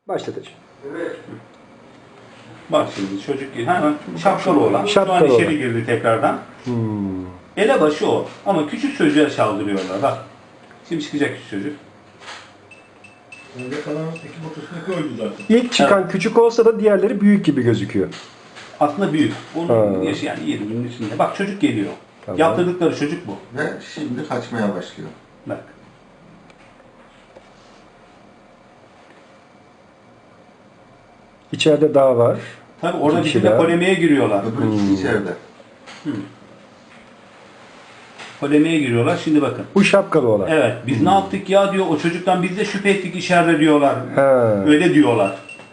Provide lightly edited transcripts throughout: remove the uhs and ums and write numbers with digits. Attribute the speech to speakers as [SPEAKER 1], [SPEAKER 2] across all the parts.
[SPEAKER 1] Başlatacağım.
[SPEAKER 2] Evet.
[SPEAKER 3] Bak şimdi çocuk hemen şapkalı olan. Şu
[SPEAKER 1] Şapkalı
[SPEAKER 3] an içeri
[SPEAKER 1] olan.
[SPEAKER 3] girdi tekrardan. Elebaşı o. Ama küçük çocuğa çaldırıyorlar. Bak. Şimdi çıkacak küçük çocuk.
[SPEAKER 2] Önde kalan iki motosikleti öldü zaten.
[SPEAKER 1] İlk çıkan küçük olsa da diğerleri büyük gibi gözüküyor.
[SPEAKER 3] Aslında büyük. Onun
[SPEAKER 1] Ha.
[SPEAKER 3] yaşı yani 20'nin üstünde. Bak çocuk geliyor.
[SPEAKER 1] Tamam.
[SPEAKER 3] Yaptırdıkları çocuk bu.
[SPEAKER 4] Ve şimdi kaçmaya başlıyor.
[SPEAKER 3] Bak.
[SPEAKER 1] İçeride daha var.
[SPEAKER 3] Tabii orada
[SPEAKER 1] İki
[SPEAKER 3] bir de
[SPEAKER 1] kişiler.
[SPEAKER 3] polemiğe giriyorlar.
[SPEAKER 4] Öbür ikisi içeride.
[SPEAKER 3] Polemiğe giriyorlar. Şimdi bakın.
[SPEAKER 1] Bu şapkalı olan.
[SPEAKER 3] Evet. Biz ne yaptık ya diyor. O çocuktan biz de şüphe ettik içeride diyorlar.
[SPEAKER 1] He.
[SPEAKER 3] Öyle diyorlar.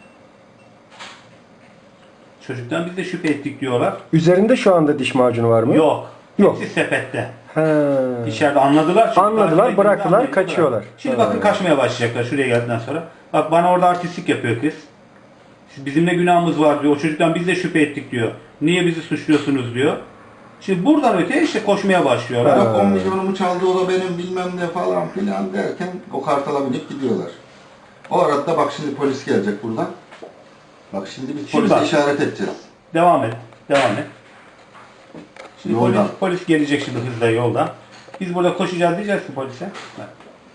[SPEAKER 3] Çocuktan biz de şüphe ettik diyorlar.
[SPEAKER 1] Üzerinde şu anda diş macunu var mı?
[SPEAKER 3] Yok.
[SPEAKER 1] Yok.
[SPEAKER 3] Hepsi sepette.
[SPEAKER 1] He.
[SPEAKER 3] İçeride anladılar. çünkü
[SPEAKER 1] Anladılar,
[SPEAKER 3] takip
[SPEAKER 1] bıraktılar,
[SPEAKER 3] ettiğinde anladılar.
[SPEAKER 1] kaçıyorlar.
[SPEAKER 3] Şimdi
[SPEAKER 1] Ha.
[SPEAKER 3] bakın kaçmaya başlayacaklar şuraya geldikten sonra. Bak bana orada artistlik yapıyor kız. Bizim ne günahımız var diyor. O çocuktan biz de şüphe ettik diyor. Niye bizi suçluyorsunuz diyor. Şimdi buradan öteye işte koşmaya başlıyorlar.
[SPEAKER 4] Yok 10 milyonumu çaldı o da benim bilmem ne falan filan derken o kartala binip gidiyorlar. O arada bak şimdi polis gelecek buradan. Bak şimdi biz
[SPEAKER 3] Şimdi
[SPEAKER 4] polise
[SPEAKER 3] bak.
[SPEAKER 4] işaret edeceğiz.
[SPEAKER 3] Devam et. Devam et. Şimdi
[SPEAKER 4] Yoldan.
[SPEAKER 3] polis gelecek şimdi hızla yoldan. Biz burada koşacağız diyeceğiz ki polise. Bak.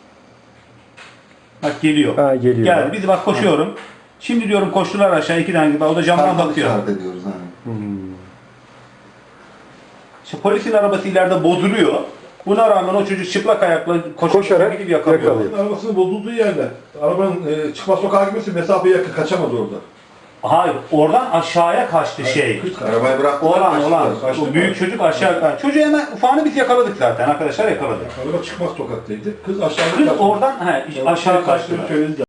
[SPEAKER 3] Bak geliyor.
[SPEAKER 1] Ha, geliyor.
[SPEAKER 3] Geldi. Biz bak koşuyorum. Şimdi diyorum koştular aşağı iki tane gibi. O da camdan
[SPEAKER 4] Kartal
[SPEAKER 3] bakıyor.
[SPEAKER 4] işaret ediyoruz hani.
[SPEAKER 3] İşte polisin arabası ileride bozuluyor. Buna rağmen o çocuk çıplak ayakla
[SPEAKER 1] Koşarak
[SPEAKER 3] gidip yakalıyor.
[SPEAKER 1] yakalıyor.
[SPEAKER 2] Arabasının bozulduğu yerde. Arabanın çıkmaz sokağa gitmesi mesafeye yakın kaçamadı orada.
[SPEAKER 3] Hayır, oradan aşağıya kaçtı şey.
[SPEAKER 4] Arabayı bıraktılar.
[SPEAKER 3] Olan
[SPEAKER 4] kaçtılar.
[SPEAKER 2] Kaçtı
[SPEAKER 3] o
[SPEAKER 2] mı?
[SPEAKER 3] büyük çocuk aşağı. Çocuğu hemen ufağını biz yakaladık zaten arkadaşlar yakaladık.
[SPEAKER 2] Araba çıkmaz sokaktaydı. Kız aşağıda
[SPEAKER 3] Kız
[SPEAKER 2] kaçtı.
[SPEAKER 3] oradan aşağı kaçtı.
[SPEAKER 2] Söyledi.